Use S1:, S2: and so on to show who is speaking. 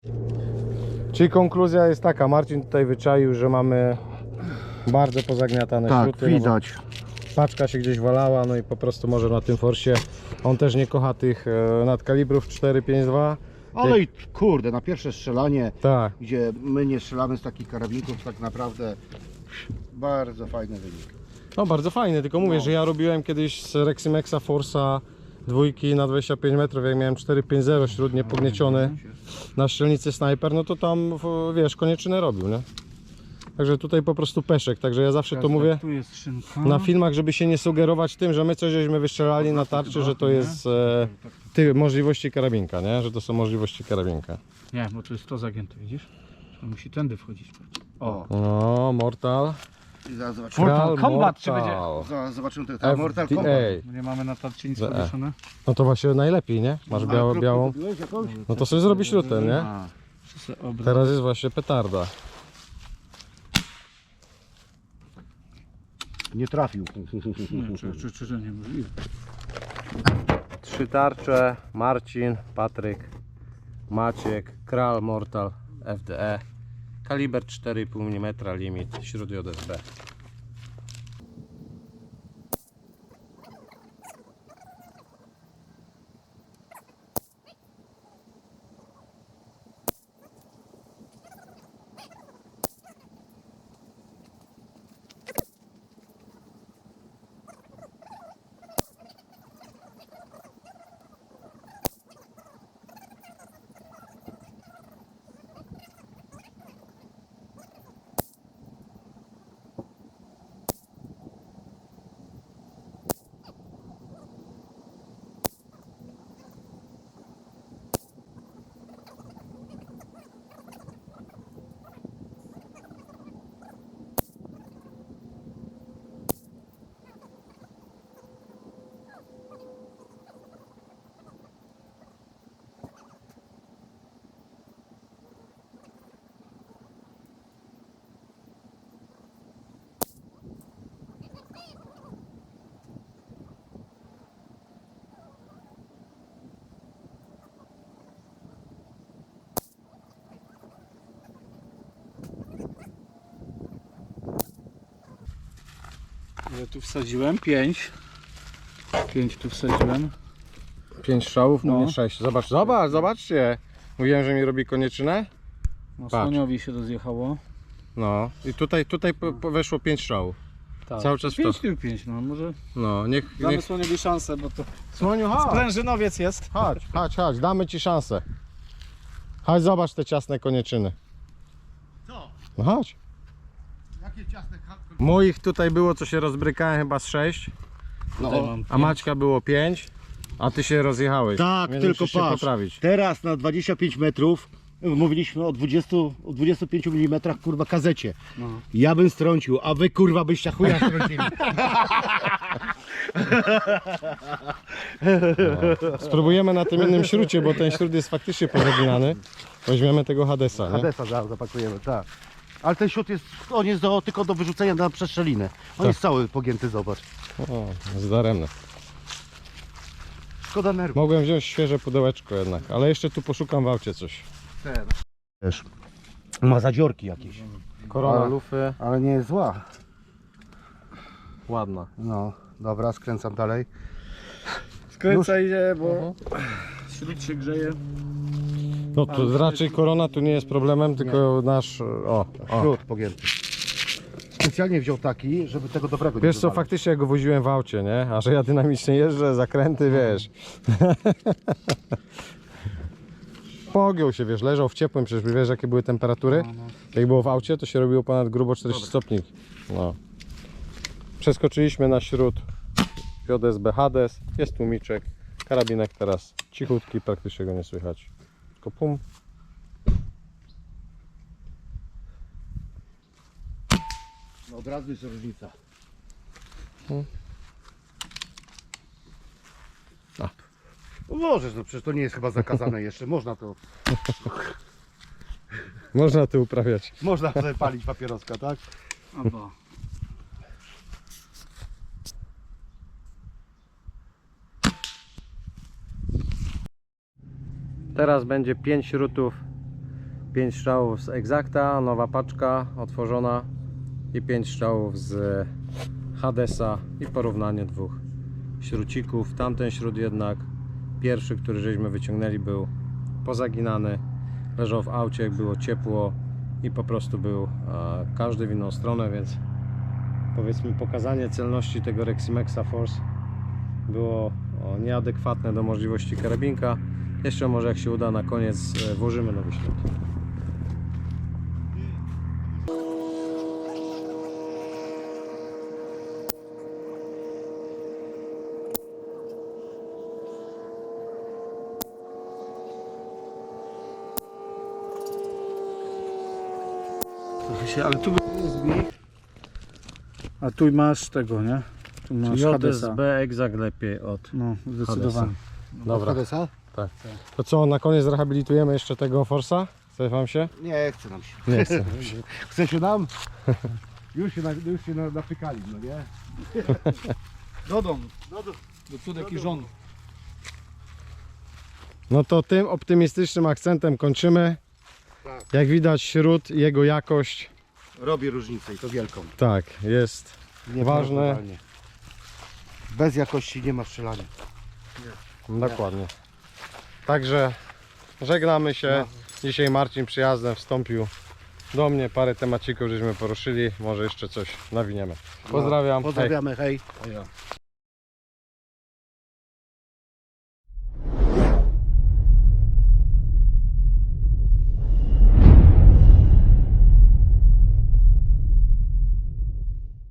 S1: Czyli konkluzja jest taka, Marcin tutaj wyczaił, że mamy bardzo pozagniatane śruty.
S2: widać.
S1: Paczka się gdzieś walała, no i po prostu może na tym forsie. On też nie kocha tych nadkalibrów 4,52.
S2: Ale i kurde, na pierwsze strzelanie,
S1: Tak.
S2: gdzie my nie strzelamy z takich karabinków, tak naprawdę bardzo fajny wynik.
S1: No bardzo fajny, tylko mówię, że ja robiłem kiedyś z Reximexa Force'a dwójki na 25 metrów, jak miałem 4,50 śród niepognieciony na strzelnicy Sniper, no to tam, wiesz, konieczynę robił, nie? Także tutaj po prostu peszek, także ja zawsze to mówię
S3: Tu jest szynka.
S1: na filmach, żeby się nie sugerować tym, że my coś żeśmy wystrzelali na tarczy, że to jest możliwości karabinka, nie? Że to są możliwości karabinka.
S3: Nie, bo tu jest to zagięte, widzisz? To musi tędy wchodzić.
S2: O,
S1: No, Mortal.
S2: i zaraz zobaczymy.
S1: Kral
S3: Combat, czy
S1: Mortal.
S2: Zaraz zobaczymy ten Mortal Kombat.
S1: FDA.
S3: Nie mamy na tarczy nic
S1: ZE.
S3: powieszone.
S1: No to właśnie najlepiej, nie? Masz białą. No to sobie zrobisz śrutę, nie?
S2: A,
S1: Teraz jest właśnie petarda.
S2: nie trafił.
S3: Czy niemożliwe.
S1: 3 tarcze, Marcin, Patryk, Maciek, Kral Mortal FDE, kaliber 4,5 mm, limit, śruty JSB.
S3: Ja tu wsadziłem 5. 5 tu wsadziłem.
S1: 5 strzałów,
S3: No.
S1: nie 6. Zobaczcie. Mówiłem, że mi robi konieczynę.
S3: No,
S1: Patrz.
S3: słoniowi się rozjechało.
S1: No i tutaj weszło 5 strzałów.
S3: Tak.
S1: Cały czas w to.
S3: 5 tył 5, no może
S1: No, niech...
S3: damy słoniowi szansę, bo to
S1: Słoniu, chodź.
S3: sprężynowiec jest.
S1: Chodź, damy ci szansę. Chodź, zobacz te ciasne konieczyny.
S2: Co?
S1: No chodź.
S2: Jakie ciasne
S1: Moich tutaj było, co się rozbrykałem, chyba z 6,
S3: Tutaj mam
S1: a Maćka było 5, a ty się rozjechałeś.
S2: Tak,
S1: Więc
S2: tylko
S1: musisz się
S2: patrz.
S1: poprawić.
S2: Teraz na 25 metrów mówiliśmy o 25 mm kurwa kazecie.
S3: No.
S2: Ja bym strącił, a wy kurwa byście chuja strącili.
S1: Spróbujemy na tym innym śrucie, bo ten śrut jest faktycznie pozaginany. Weźmiemy tego Hadesa, nie?
S2: Hadesa zaraz zapakujemy, tak. Ale ten śrut jest, on jest tylko do wyrzucenia na przestrzelinę. On jest cały pogięty, zobacz.
S1: O, zdaremne.
S2: Szkoda nerwów.
S1: Mogłem wziąć świeże pudełeczko jednak, ale jeszcze tu poszukam w aucie coś.
S2: Wiesz, ma zadziorki jakieś.
S1: Korona
S2: Ale-
S1: lufy,
S2: Ale nie jest zła.
S1: ładna.
S2: No, dobra, skręcam dalej.
S3: Skręcaj się, bo śród się grzeje.
S1: No to raczej korona tu nie jest problemem, tylko nasz... O.
S2: Śrut pogięty. Specjalnie wziął taki, żeby tego dobrego nie
S1: Wiesz co,
S2: wywalić.
S1: faktycznie ja go woziłem w aucie, nie? A że ja dynamicznie jeżdżę, zakręty, wiesz. Pogiął się, wiesz, leżał w ciepłym, przecież wiesz jakie były temperatury? Jak było w aucie, to się robiło ponad grubo 40 stopni. No. Przeskoczyliśmy na śród JSB Hades, jest tłumiczek, karabinek teraz cichutki, praktycznie go nie słychać. Tylko pum.
S2: No, od razu jest różnica.
S1: A.
S2: No możesz, no przecież to nie jest chyba zakazane jeszcze.
S1: Można tu uprawiać.
S2: Można sobie palić papieroska, tak?
S3: Albo.
S1: Teraz będzie 5 śrutów 5 strzałów z Exacta, nowa paczka otworzona i 5 strzałów z Hadesa i porównanie dwóch śrucików. Tamten śrut jednak, pierwszy, który żeśmy wyciągnęli, był pozaginany, leżał w aucie, jak było ciepło i po prostu był każdy w inną stronę, więc powiedzmy pokazanie celności tego Reximexa Force było nieadekwatne do możliwości karabinka. Jeszcze może jak się uda, na koniec włożymy nowy śrut.
S3: Trochę się, ale tu jest zbieg. A tu masz tego, nie? Tu masz Hadesa.
S1: JSB Exact lepiej od
S3: No, zdecydowanie.
S1: Dobra,
S2: Hadesa?
S1: to co, na koniec rehabilitujemy jeszcze tego Forsa? Chce wam się?
S2: Nie chce nam się.
S1: Nie chcę.
S2: Chce się nam? Już się napykali, no nie?
S3: Do domu. Do cudek i żon.
S1: No to tym optymistycznym akcentem kończymy.
S2: Tak.
S1: Jak widać, śrut, jego jakość,
S2: Robi różnicę i to wielką.
S1: tak, jest ważne.
S2: Bez jakości nie ma strzelania.
S1: Dokładnie. Także żegnamy się.
S2: No.
S1: Dzisiaj Marcin przyjazdem wstąpił do mnie. Parę temacików żeśmy poruszyli. Może jeszcze coś nawiniemy. Pozdrawiam. Hej.
S2: Pozdrawiamy, hej.